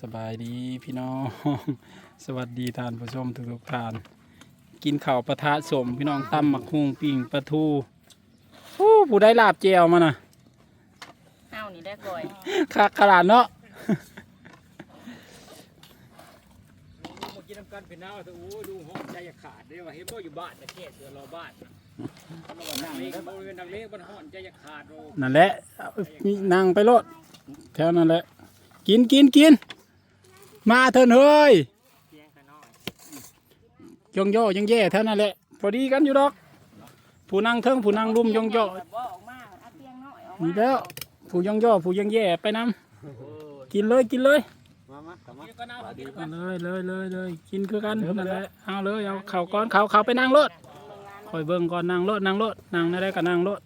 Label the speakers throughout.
Speaker 1: สบายดีพี่น้อง สวัสดีท่านผู้ชมทุกท่านกินข้าวปะทะสมพี่น้องตำหมักฮุงปิ่งปลาทูผู้ได้ลาบเจียวมาน่ะ
Speaker 2: เอ้านี่ได้ก่อย
Speaker 1: คักขนาดเนาะ
Speaker 3: มากินน้ำกันเป็นน้ำโอ้ดูห้องใจขาดเลยว่าเห็นบ่อยู่บ้านแต่แค่เสือรอบ้านนั่งเล็กบริเวณนั่งเล็กบ้านห้องใจขาดโอ้
Speaker 1: นั่นแหละมีนั่งไปโลดแถวนั่นแหละกินมาเถอะเฮ้ยยองย่อยังแย่เท่านั้นแหละพอดีกันอยู่ดอกผู้นั่งเทิงผู้นั่งลุ่มยองย่อ
Speaker 2: บ่ออกมาเอาเตียงน้อยออกมา
Speaker 1: นี่แล้วผู้ยองย่อผู้ยังแย่ไปน้ำกินเลย
Speaker 3: กินก็น้ำกินกัน
Speaker 1: เลยกินคือกันนั่นแหละเอาเลยเอาเข่าก้อนเข่าไปนั่งรถคอยเบิ่งก่อนนั่งรถนั่งได้ก็นั่งรถ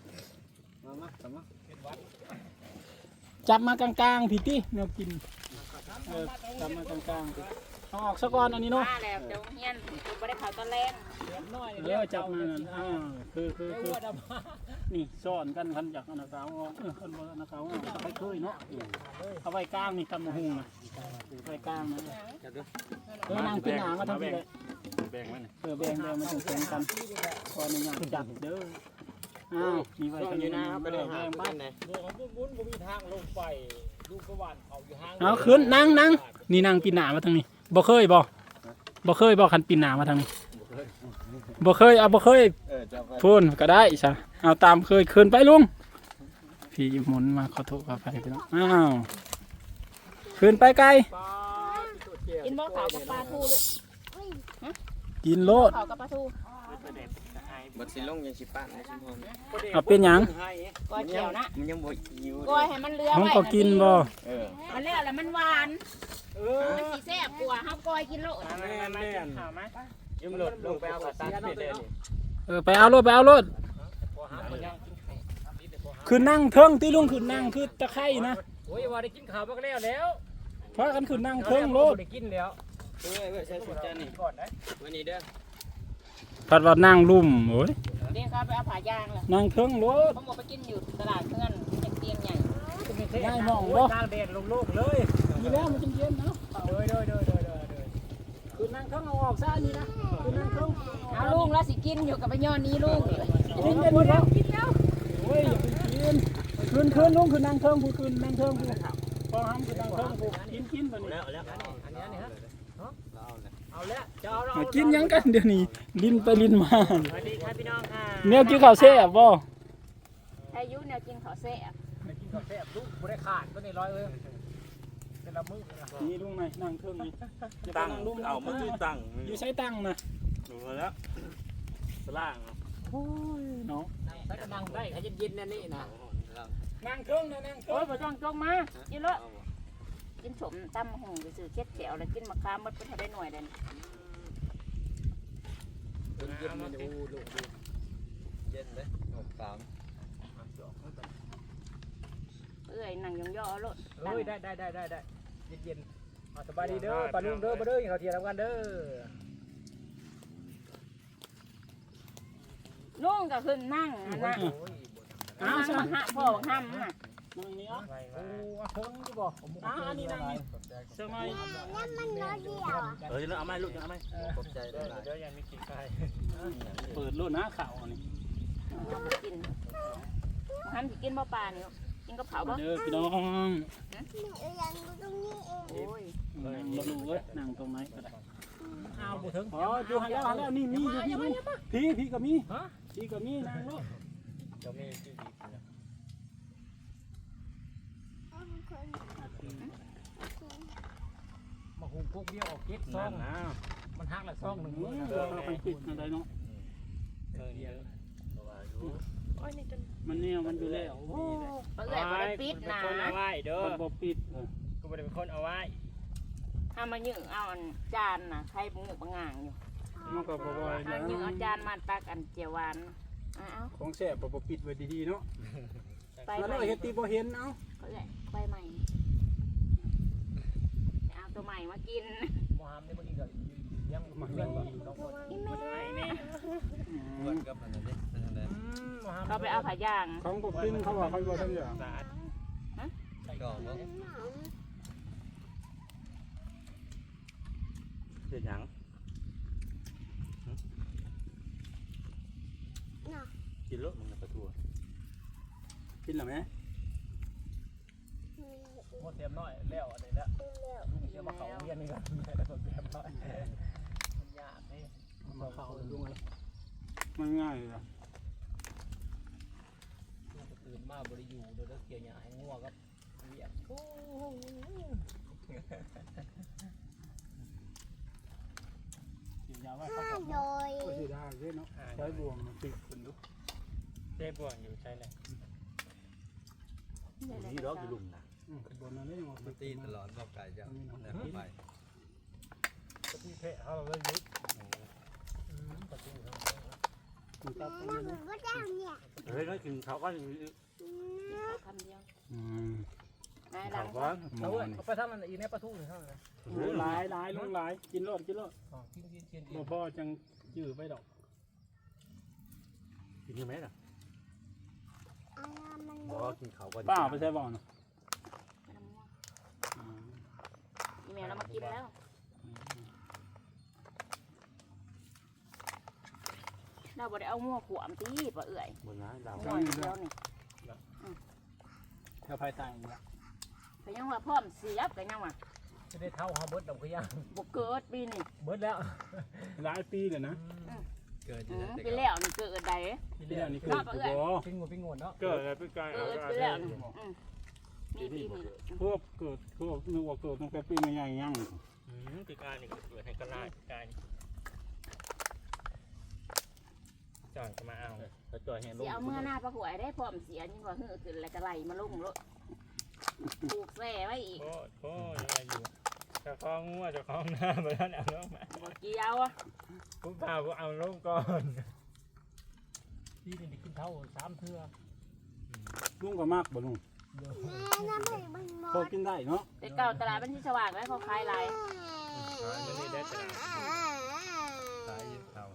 Speaker 1: จับมากลางๆพี่ตี้แนวกินจับมากลางๆเอาออกซะก่อนอันนี้เนาะ
Speaker 2: มาแล้วเดี๋ยวเฮียนกูบ่ได้เข้าตอนแรก
Speaker 1: จับมานั่นคือนี่ซ่อนกันคันจากอนาคาวคันบนอนาคาวไปเคยเนาะเอาไว้กลางนี่ตำมะฮุงนะไว้กลางนะนางกินหนามาทำที่ไหนแบ่งมันถึงกันพอในอย่างจับเด้ออ้าวมีไว้กันอยู่นะแบ่งบ้าน
Speaker 3: เรื่องของบุญผมมีทางลงไปดูประวัติเขาอยู่ห้าง
Speaker 1: เอาขึ้นนั่งนี่นางปีนหนามาทางนี้บ่เคยบ่คันปีนหนามาทางนี้บ่เคยพูนก็ได้ใช่เอาตามเคยขึ้นไปลุงพี่หมุนมาขอโทษขออภัยพี่น้องอ้าวขึ้นไปไกล
Speaker 2: กินบ่ข้าวกับปลาทูลูก
Speaker 1: กินโลด
Speaker 2: ข้าวกับปลาทู
Speaker 4: บัดสิลงยังสิปะนะชิมพร
Speaker 1: เอาเป็นหยัง
Speaker 2: ก้อยเขียวนะ
Speaker 4: มันยังบ่หิว
Speaker 2: ก้อยให้มันเลือ
Speaker 1: ผม
Speaker 2: ไว้
Speaker 1: ก็กินบ่
Speaker 2: มันเลือแล้วมันหวานมันสิแซ่บกว่าเฮาก้อยกินโลด
Speaker 3: แม่ข่าวไหม
Speaker 4: ยิ้มหลดลงไปเอากระตันไปเลยนี่
Speaker 1: ไปเอารถคือนั่งเทิงที่ลุงคือนั่งคือตะไคร่นะ
Speaker 3: โอ้ยว่าได้กินข้าวมาแล้ว
Speaker 1: เพราะกันคือนั่งเทิงโลด
Speaker 3: ได้กินแล้ว
Speaker 4: เว้ยใส่สุดจานนี่
Speaker 3: ก่อนนะ
Speaker 4: วันนี้เด้อ
Speaker 1: พัดว่านั่งลุ่มโอ้ย
Speaker 2: เดี๋ยวเขาไปเอาผ้ายางแล้ว
Speaker 1: นั่งเทิงโลด
Speaker 2: ผมบอกไปกินอยู่ตลาดเพื่อนเป็นเตียงใหญ่
Speaker 3: กลางแดดโล่งๆเลย
Speaker 1: นี่แล้วมันจะเย็นเนาะ
Speaker 3: โดย
Speaker 1: คือนั่งเทิงเอาออกซะนี่นะคือนั่งเทิง
Speaker 2: เอาลุงแล้วสิกินอยู่กับไปย้อนนี้ลุง
Speaker 1: กินแล้วโอ้ยอย่ากินคืนลุงคือนั่งเทิงผู้คืนนั่งเทิงผู้พอห้ามคือนั่งเทิงผู้กินตัวนี้
Speaker 3: แล้วอันนี้ฮะเอาแล้วจะเอาเรา
Speaker 1: กินยังกันเดี๋ยวนี้ลิ้นไปลิ้นมา
Speaker 3: สวัสดีครับพี่น้องค่ะ
Speaker 1: เนี่ยกินข้าวแซ่บบ่
Speaker 2: อายุแนวกินข้าวแซ่บ
Speaker 3: กินกาแฟลูกบ่ได้ขาดก็นี่ร้อยเลยแต่ละมื้อนะ
Speaker 1: นี่ลุงไหนนั่งเทิงนี่
Speaker 4: ตั้งเอามาคือตั้ง
Speaker 1: อยู่ใช้ตั้งนะ
Speaker 4: ดูแล้วสล่าง
Speaker 1: เนาะ
Speaker 3: ใช้กำลังได้ให้เย็นๆนี่นะ
Speaker 1: นั่งเทิงนะนั่งเทิ
Speaker 2: โอ้ย
Speaker 1: ง
Speaker 2: บ่ต้องจงมากินเลยกินสมตำหงซื่อๆเค็ดแก้วแล้วกินมะขามหมดเพิ่นให้ได้หน่วยเด่น
Speaker 4: เย็นมันดูลูกเย็นเลยสาม
Speaker 2: เอ้ยนั่งย่อๆโลด
Speaker 3: เฮ้ยได้เย็นๆสบายดีเด้อปลาลุงเด้อบ่เด้อเขาเทียมกันเด้อ
Speaker 2: ลุงก็ขึ้นนั่งนะ
Speaker 1: อ้าว
Speaker 2: นั่ง
Speaker 1: ใช่
Speaker 2: มาหาพ่อบักห้ำน่ะ
Speaker 1: นั่งนี่อ่ะ
Speaker 3: โอ้เทิงที่บอก
Speaker 1: อันนี้นั่งนี่สมัย
Speaker 4: เอาไม้ลูกเอาไม้ขอบใจได้หลาย
Speaker 3: เดี๋ยวยังมีกินไข่
Speaker 1: เปิดรุ่นนะข่าวนี่
Speaker 2: เอาไปกินบักห้ำสิกินบ่ปลานี่กินกับเผาบ่
Speaker 1: เด้อพี่น้อง
Speaker 2: โอ้ย
Speaker 1: เราดูเว้ยนั่งตรงไหนก็ได้
Speaker 3: เอาบุถึง
Speaker 1: อ๋อดูหันแล้วนี่มีอยู่พี่ก็มีพี่ก็มีนั่งลูก
Speaker 3: จะมีที่ดีมาหุงพวกเดียวออกเก็ตซองมันหักละซองหนึ่ง
Speaker 1: เราไปปิดอะไรเนาะ
Speaker 3: เดียว
Speaker 1: มันเนี่ยมันอยู่แล้ว
Speaker 2: เอ้ยบ่ได้ปิดนะ
Speaker 3: คนเอาไว้เด้อ
Speaker 1: มันบ่ปิด
Speaker 3: ก็ไม่ได้เป็นคนเอาไว้
Speaker 2: เอามายึงเอาอันจานน่ะใครบ่งูบ่งางอยู่
Speaker 1: มันก็บ่บ่อย
Speaker 2: เอายึงเอาจานมาตักอันเจียวหวานเอา
Speaker 1: ของแซ่บบ่ปิดไว้ดีๆเนาะ
Speaker 2: ไป
Speaker 1: แล้ว
Speaker 2: ใหม่
Speaker 1: เฮ็ดตีบ่เห็นเอ้า
Speaker 2: เขาใหญ่ไปใหม่เอาตัวใหม่มากิน
Speaker 3: มอฮัมนี่บางทีก็ยังมาเพื่อนบ่น้องคน
Speaker 4: กับอันนั้นเด้
Speaker 2: เขาไปเอาผ้ายาง
Speaker 1: ของบ่กินเขาว่าเขาบ่ทันอย่าง
Speaker 3: สะอาด
Speaker 4: ก่อนเนาะ
Speaker 5: เป็นหยังกินรถมึงกระทัวกินหรือไหม
Speaker 3: หมดเตรียมน้อยแล้วอะไรแล้วลุงเตรียมมาเขาเรียนนี่ก่อนแล้วก็เตรียมน้อยมันยากนี่
Speaker 1: มาเข้าลุงเลยมันง่ายเลย
Speaker 3: ตื่นมาบริยูโดยเกี่ยวหญ้าให้งัวครับเรียก
Speaker 1: กินยาไว้เข้ากับก็สิได้ด้วยเนาะใช้บ่วงติดขึ้นดู
Speaker 3: เจ๊บ่วงอยู่ใช่เลย
Speaker 5: นี่ดอกอยู่ลุ่มนะ
Speaker 1: ขึ้นบนนั้นได้ยัง
Speaker 4: มันตีตลอดบอกไก่จะแนบไป
Speaker 3: ที่เพะเขาเราเลยยึดประตู
Speaker 1: มันจับตรงนี้
Speaker 5: เฮ้ยน้อยกินเขาก็
Speaker 2: คำเดียว
Speaker 1: อืม
Speaker 2: นาย
Speaker 5: เขา
Speaker 2: ลัง
Speaker 5: ก็
Speaker 3: เอาเว้ยเอาไปทำมันอีกในประตูหนึ่งเท่านั้น
Speaker 1: หลายหลายลงหลายกินรอดกินรอด
Speaker 3: กิน
Speaker 1: บ่พ่อจังยื้อไปดอก
Speaker 5: กินยังไงล่ะบอกกินเขาก็
Speaker 1: ป้าไปใช้บ่อนะ
Speaker 2: อีเมลเรามากินแล้วเราบ่ได้เอางัวขวมตีป่ะเอื่อย
Speaker 5: บนนั้นดาว
Speaker 2: งัวเดียวนี่
Speaker 1: แถวภายใต้นี่ละ
Speaker 2: ก็ยังว่าพร้อมเสียบก็ยังว่า
Speaker 3: จะได้เท่าฮาเบิร์ดดอกขย่าง
Speaker 2: บ่เกิดปีนี่
Speaker 3: เบิร์ดแล้ว
Speaker 1: หลายปีเลยนะ
Speaker 4: เกิดจะได้
Speaker 2: ปีแล้วนี่เกิดใด
Speaker 1: ปีนี้นี่คือบ่
Speaker 3: ปิ้งงวนเนาะ
Speaker 5: เกิดอะไรไปไกล
Speaker 2: เกิดปีแล้วนี่มีปีนี้
Speaker 1: พวกเกิดพวกนึกว่าเกิดตั้งแต่ปีใหญ่ๆยัง
Speaker 5: ปีกายนี่เกิดให้กระไรกายจ่อยจะมาเอาถ้าจ่อยเห็นล
Speaker 2: สิ
Speaker 5: ง
Speaker 2: เอาเมื่อหน้าประหวยได้พร้อมเสียนี่ว่าหื้อขึ้นแล้วก็ไหลมาลงรถปลูกแส่ไว้อีก
Speaker 5: โอ้ยังไงอยู่จะคล้องงัวจะคล้องหน้าไปแล้วเอาลงมา
Speaker 2: บ่เกี่ยวอ่ะ
Speaker 5: ผมพาผมเอาลงก่อน
Speaker 3: ที่นี่กินเท่า3 เทื่อ
Speaker 1: ลุงก็มากบ่ลุงพอกินได้เนาะ
Speaker 2: แต่เก่าตลาดมันที่สว่างแล้วเขาขายหลาย
Speaker 5: นี่ได้ตลาด
Speaker 4: สายยึดเขา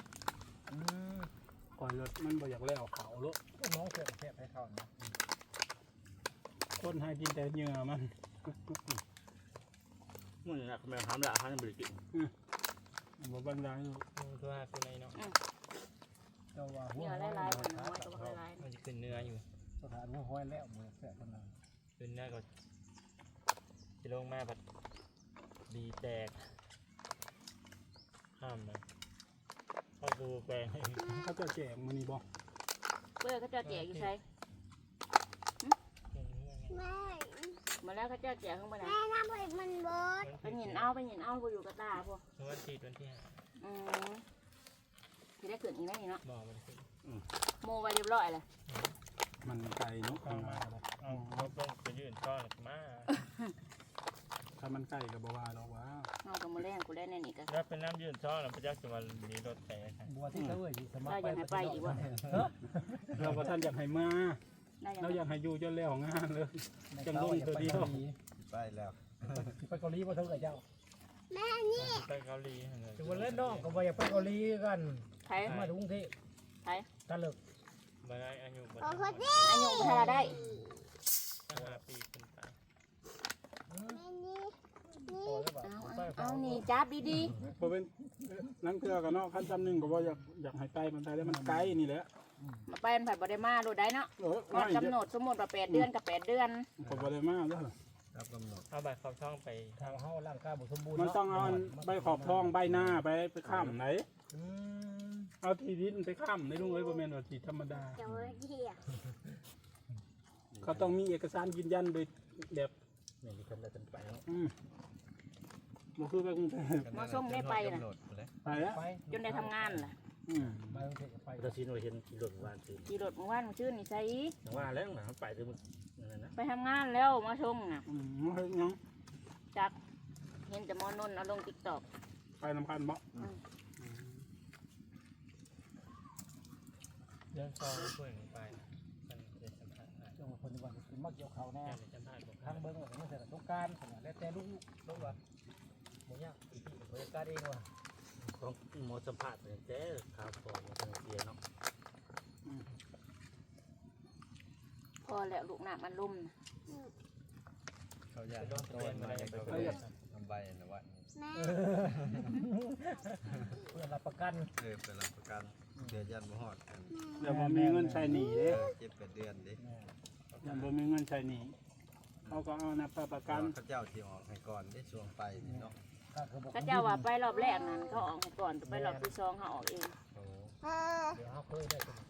Speaker 1: ก่อนรถมันบ่อยากแล้วเขาโล
Speaker 3: น้องเสียบให้เขานะ
Speaker 1: คนให้กินแต่เหงื่อมัน
Speaker 5: มึงนะแม่ทำละทำบริกิต
Speaker 1: บ่บรรดาอยู่
Speaker 5: ตัวตัวไหนเนาะ
Speaker 3: เจ้าว่าหัว
Speaker 2: เนื้อหลายๆมันน้อยก็บ่หลาย
Speaker 5: มันจะขึ้นเนื้ออยู่
Speaker 3: สถานหัวห้อยแล้วมือแสบคนนั้น
Speaker 5: ขึ้นเนื้อก็จะลงมาแบบดีแตกห้ามเลยเข้าดูแปลง
Speaker 1: เขาจะแจกมื้อนี้บ่
Speaker 2: เพื่อเขาเจ้าแจกอยู่ใช่มาแล้วเขาเจ้าแจกขึ้นมาไหนไปหยินเอาบ่อยู่กับตาพวก
Speaker 5: วันที่5
Speaker 2: ที่ได้ขึ้นอีกแล้วนี่เนาะ
Speaker 5: บอกมันขึ้น
Speaker 2: โมไว้เรียบร้อยเลย
Speaker 1: มันไกลเนาะ
Speaker 5: เข้ามาเอาลบลงไปยื่นก้อนมา
Speaker 1: ถ้ามันใกล้ก็บ่ว่าหรอกว่า
Speaker 2: เอากับมาแรงกูได้แน่นี่ก็
Speaker 5: แล้วเป็นน้ำยื่นช้อนแล้วพระเจ้าจะมาดีรถแตก
Speaker 3: บัวที่เต้ยสมัคร
Speaker 1: เราบ่ทันอยากให้มา
Speaker 2: ได้ยัง
Speaker 1: เราอยากให้อยู่จนแล้วงานเลยจังลงตัวเดียว
Speaker 4: ไปแล้ว
Speaker 3: ไปเกาหลีมาเท่ากับเจ้า
Speaker 5: ไปเกาหลีเลย
Speaker 3: จะวันเล่นน้องก็ไปอยากไปเกาหลีกัน
Speaker 2: ไทย
Speaker 3: มาถึงกรุงเทพ
Speaker 2: ไทย
Speaker 3: กันเลิก
Speaker 5: มาได้อายุ5
Speaker 2: อายุพัฒนาได้
Speaker 5: ปีขึ้นไป
Speaker 2: เอานี่จับดี
Speaker 1: บ่เป็นนั่นคือกันเนาะคันจำหนึงก็บ่อยากให้ไปมันไปแล้วมันไกลนี่แหละ
Speaker 2: ๆมาไปผัดบ่ได้มาดูได้เนาะ
Speaker 1: ไม่
Speaker 2: กำหนดสมมติว่า8 เดือนกับ8 เดือน
Speaker 1: ผมบ่ได้มาเด้อ
Speaker 4: รับกำหนด
Speaker 5: เอาบัตรเข้าช่องไป
Speaker 3: ทางเฮาร่างกายบ่สมบูรณ์
Speaker 1: มันต้องเอาใบขอบทองใบหน้าไปข้ามไหนเอาที่ดินไปข้ามในลุงเอ้ยบ่แม่นว่าที่ธรรมดาเขาต้องมีเอกสารยืนยันโดยแบบ
Speaker 5: นี่มีคนได้กันไปแล้ว
Speaker 1: บ่คือไปกรุงเทพ
Speaker 2: มาส่งได้ไปน่ะ
Speaker 1: ไปแล้ว
Speaker 3: ไป
Speaker 2: จนได้ทำงานล่ะ
Speaker 3: ไปกรุงเทพไป
Speaker 5: เราซีโนเห็นขี่รถวานซื้อ
Speaker 2: ขี่รถเมื่อวานชื่อนี่ใส่
Speaker 5: อย่างว่าแล้วมันไปถึงนั่นนะ
Speaker 2: ไปทำงานแล้วมาส่งน่ะ
Speaker 1: เฮ็ดหยัง
Speaker 2: จักเห็นแต่มอนนเอาลง TikTok
Speaker 1: ไปนำกันบ่
Speaker 5: เดินซองช่วยไปมันจะสัมผัส
Speaker 3: จังหวัดคนจังหวัดกินมักเกี่ยวเขาแน่
Speaker 5: จะสัมผัสบอก
Speaker 3: ทางเบิ้งว่าเสร็จต้องการแล้วแต่ลูกว่าบ่ยากอีกบริการเองว่ะ
Speaker 5: ของหมอสัมผัสเนี่ยเจ๊ข่าวฟองทางเสียเนาะ
Speaker 2: พอแล้วลูกน้ำมันลุ่ม
Speaker 4: เขาอยากโดนมาเขาทำใบนะวะ
Speaker 3: เพื่อรับประกัน
Speaker 4: เป็นรับประกันเดือนยันบ่ฮอดกัน
Speaker 1: เดี๋ยวบ่มีเงินใช้หนี้เด้
Speaker 4: 7-8 เดือนดิ
Speaker 1: ยังบ่มีเงินใช้หนี้เขาก็เอานะประกัน
Speaker 4: เขาเจ้าที่ออกให้ก่อนได้ช่วงไปนี่เนาะ
Speaker 2: ก็เจ้าว่าไปรอบแรกนั้นเขาออกให้ก่อนไปรอบที่2เขาออกเอง
Speaker 4: โอ้
Speaker 3: เดี๋ยวเขาเคยได้ตัว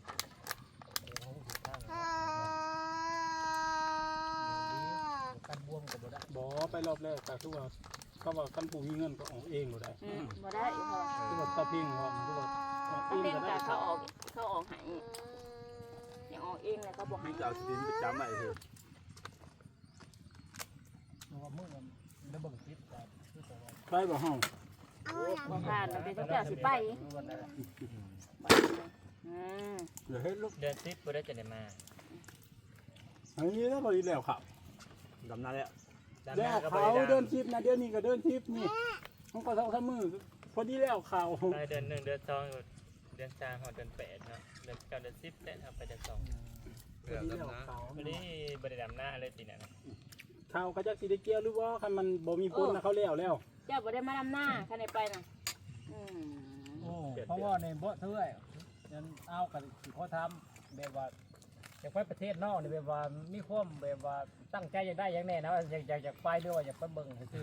Speaker 3: การบวมกับบ่ได้
Speaker 1: บ่ไปรอบแรกก็คือว่าเขาว่าคันผู้มีเงินก็ออกเองบ่ได้
Speaker 2: บ่ได้เพราะ
Speaker 1: คือว่าตะพิงว่าคือว่าออกเอ
Speaker 2: มัน
Speaker 1: ง
Speaker 2: เป็น
Speaker 1: ก็ได้
Speaker 2: การเขาออกให้ยังออกเองแล้วเขาบอกให้
Speaker 1: จะเอาสินประจำไว้เถอะ
Speaker 3: เพราะว่ามือมันได้เบิ่งคลิปกัน
Speaker 1: ไปบ่เฮา
Speaker 2: บ่ผ่านเราเป็นเจ้าสิไป
Speaker 1: เดี๋ยวเฮ็ดลูก
Speaker 5: เดือน10บ่ได้จะได้มา
Speaker 1: อันนี้แล้วบ่อีแล้วครับดำนาแล้ว
Speaker 5: ดำห
Speaker 1: แล้
Speaker 5: น้าว ก็บ่
Speaker 1: เขา
Speaker 5: ได้
Speaker 1: เดิน
Speaker 5: ดำ
Speaker 1: ทิปนะเดี๋ยวนี้ก็เดินทิปนี่มันก็2-3มื้อพอดีแล้วเขา
Speaker 5: ไปเดือน1เดือน2เดือน3ฮอดเดือน8เนาะเดือน9เดือน10แต่เอาไปเดือน2
Speaker 4: เพื่อ
Speaker 1: แล้ว
Speaker 4: ดำน้
Speaker 1: เขา
Speaker 5: วันนี้บ่ได้ดำหน้าเลยปีนั้น
Speaker 1: เขาก็จักสิได้เกี่ยวหรือบ่คันมันบ่มีผลนะเขาแล้ว
Speaker 2: เจ้าบ่ได้มาดำหน้าคันได้ไปน่ะ
Speaker 3: โอ้เพราะว่าในบ่เท่าไหร่ยันเอากันสิเขาทำแบบว่าอยากไปประเทศนอกนี่แบบว่ามีความแบบว่าตั้งใจอยากได้อย่างแน่นะอยากไปด้วยว่าอยากไปเบิ่งคือ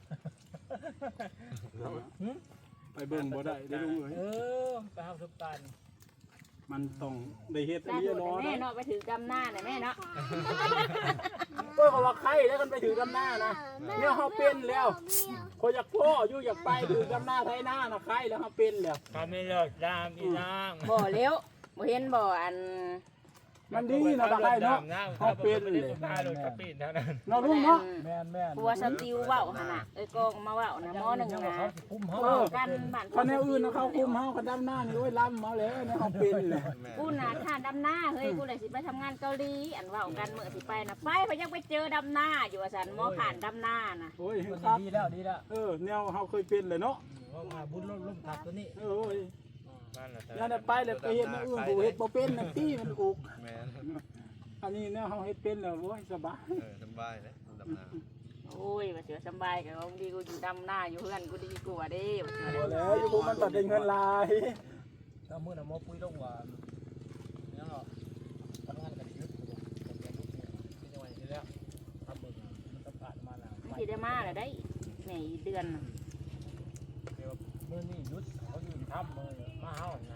Speaker 1: ไปเบิ่งบ่ได้ได้ลุงเอ้ย
Speaker 3: ไปหาสุปาน
Speaker 1: มันต้องได้เฮ็ด
Speaker 2: ตา
Speaker 1: เรี
Speaker 2: โด
Speaker 1: ย
Speaker 2: ด
Speaker 1: ร้อย
Speaker 2: แม่เนาะไปถือดำหน้าน่ะแม่เนาะ
Speaker 1: เพิ่นก็ว่าใครแล้วกันไปถือดำหน้านะเนี่ยเฮาเป็นแล้วคนอยากพ่ออยู่อยากไปถือดำหน้าไทยหน้านะใครแล้วเฮาเป็นแล้ว
Speaker 5: เขาไม่เลิกดำอีนาง
Speaker 2: บ่เลี้ยวบ่เห็นบ่อัน
Speaker 1: มันดีนะบักไอ้เนาะ
Speaker 5: เขาเป็นเลยพาโดนกระปินเท่านั้น
Speaker 1: เนาะลุงเนาะ
Speaker 3: แม่นแม่น
Speaker 2: ปัวสติวเว้าหั่นน่ะเอ้ยกองมาเว้านะมอหนึ่ง
Speaker 3: ยัง
Speaker 2: นะ
Speaker 3: ว่าเขาสิคุมเฮา
Speaker 2: เว้ากันบ้าน
Speaker 1: คนแนวอื่นนะเขาคุมเฮากันดำหน้านี่โอ้ยล้ำเฮาแล้วเนี่ยเฮาเป็นเลย
Speaker 4: ำแม่
Speaker 2: กูน่ะท่านดำหน้าเฮ้ยกูเลยสิไปทำงานเกาหลีอันเว้ากันมื้อสิไปน่ะไปเพราะยังไปเจอดำหน้าอยู่ว่าซั่นหมอผ่านดำหน้าน่ะ
Speaker 1: โอ้ย
Speaker 3: มัน
Speaker 1: ครับ
Speaker 3: ดีแล้วดีแล้ว
Speaker 1: แนวเฮาเคยเป็นเลยเนาะ
Speaker 3: ว่าบุญล้มทับตัวนี้
Speaker 1: โอ้ย
Speaker 5: บ้านเรา
Speaker 1: อย่าได้ไปแล้วไปเฮ็ดแนวอื่นผู้เฮ็ดบ่เป็นนั่นตี้มันอุก
Speaker 4: แม่
Speaker 1: อันนี้แนวเฮาเฮ็ดเป็นแล้วโอ้ยสบาย
Speaker 4: สบายเลยดำน้
Speaker 2: โอ้ยว่าเสือสำบายกับของดีกูอยู่ดำหน้าอยู่เพื่อนกูดีกว่าเด้ว่าเสือ
Speaker 1: บ่แล้วอยู่พวกมันตัดได้เงินหลาย
Speaker 3: ถ้ามื้อน่ะหมอปุ้ยลงว่ายังเนาะทำงานกันยุดเป็นจังหวะนี้แล้วทำเบิ่งมันต้องผ่านมาแล้ว
Speaker 2: มันสิได้มาแล้วได้แม่อีเดือนน่ะ
Speaker 3: เดี๋ยวมื้อนี้ยุดเขาอยู่ทำมื้อมาเฮานะ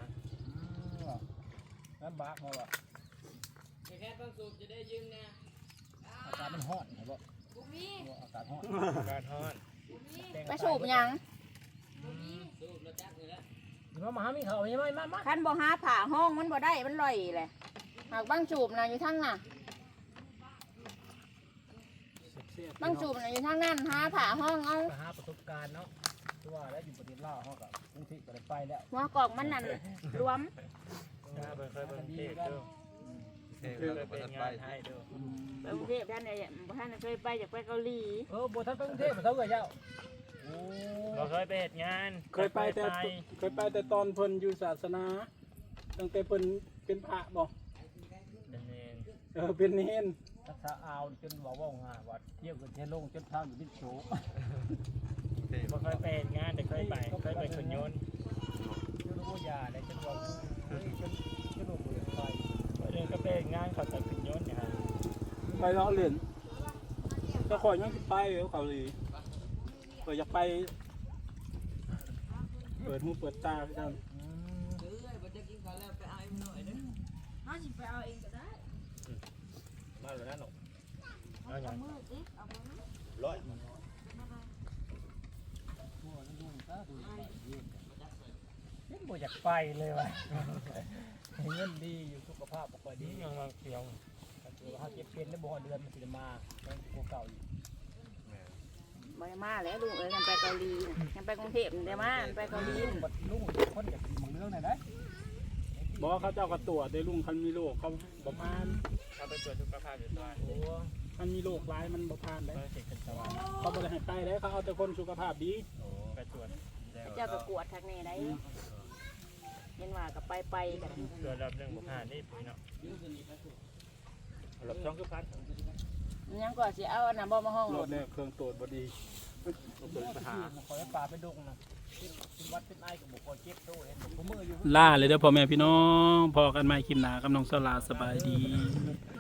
Speaker 3: ลำบากมาว่ะแค่ต้องสูบจะได้ยืมนะอากาศมันร้อนเหรอบ่อากาศร้อน
Speaker 5: การทอด
Speaker 2: ไปสูบหยัง
Speaker 3: มาหามีเขาใช่ไหมมา
Speaker 2: คันบ่หาผ่าห้องมันบ่ได้มันลอยแหละหากบางสูบน่ะอยู่ทางน่ะบางสูบน่ะอยู่ทางนั้นหาผ่าห้องเอา
Speaker 3: ไปหาประสบการณ์เนาะที่ว่าแล้วอยู่ประเทศลาวเขากับกรุงเทพก็ได้ไปแล้ว
Speaker 2: หัวกอกมันนั่นรวม
Speaker 5: เคยเป็นเทพด้วย
Speaker 4: ำ
Speaker 5: เคยเป็นงานไทยด้วย
Speaker 2: ไปกรุงเทพท่านเนี่ยบ่ท่านเคยไปอยากไปเกาหลี
Speaker 3: บ่ท่านไปกรุงเทพมาเท่าไหร่เจ้าโอ้
Speaker 5: เราเคยไปเหตุงาน
Speaker 1: เคยไปแต่ตอนเพิ่นอยู่ศาสนาตั้งแต่เพิ่นเป็นพระบ่
Speaker 5: เป็นเอง
Speaker 1: เป็นเนน
Speaker 3: ทักษะอาวจนบอกว่าง่ายว่าเที่ยวกันเที่ยวลงจนทางอยู่บิดโฉ
Speaker 5: เราเคยไปเหตุงานแต่เคยไปขนยนต์
Speaker 3: จนรู้ยาได้จนว่าจนรู้บ่ไป
Speaker 5: เรื่องก็ไปเหตุงานเขาแต่ขนยนต์เนี่ย
Speaker 1: ไปล้อเล่นจะขอยยังสิไปเกาหลีอยากไปเปิดหูเปิดตากัน
Speaker 5: มาแล้วนั่นหรอเอาอย่าง
Speaker 3: ยังบ่อยากไปเลยว่ะเงินดีอยู่สุขภาพบ่ค่อยดี
Speaker 5: นี้ยังมาเที่ยว
Speaker 3: ตัวเฮาเก็บเป็นได้บ่เดือนมันสิมายังกว่าเก่าอยู่
Speaker 2: บ่ได้มาแล้วลุงเอ้ยกันไปเกาหลีกันไปกรุงเทพได้มาไปเกาหลี
Speaker 3: บัดลุงคนอยากกินหมูเรื่องไหนได้
Speaker 1: บอกเขาเจ้าก็ตรวจได้ลุงคันมีโรคเขาบ่ผ่าน
Speaker 5: เอาไปตรวจสุขภาพอยู่ตัว
Speaker 3: โอ้
Speaker 1: คันมีโรคร้ายมันบ่ผ่านได้
Speaker 5: ไปเช็คกันตลอด
Speaker 1: เขาบ่ได้ให้ไปได้เขาเอาแต่คนสุขภาพดี
Speaker 5: ไปตรวจ
Speaker 2: เจ้าก็กวดทักแน่ได้เห็นว่าก็ไปกัน
Speaker 5: ตรวจรอบหนึ่งบุผ่านนี่พี่เนาะรอบสองคือพัน
Speaker 2: ยังก็สิเอาอันน่ะบ่มาห้อง
Speaker 1: โร
Speaker 2: ร
Speaker 1: ค
Speaker 2: ถ
Speaker 1: เนี่ยเครื่องตรวจบ่ดี
Speaker 3: ขอให้ปลาไปดงนะวัดเป็นไอ้กับบุคคลเจ็บโตเห็นผมมืออยู่
Speaker 1: ล่าเลยเด้อพ่อแม่พี่น้องพอกันใหม่คลิปหน้ากับน้องสลาสบายดี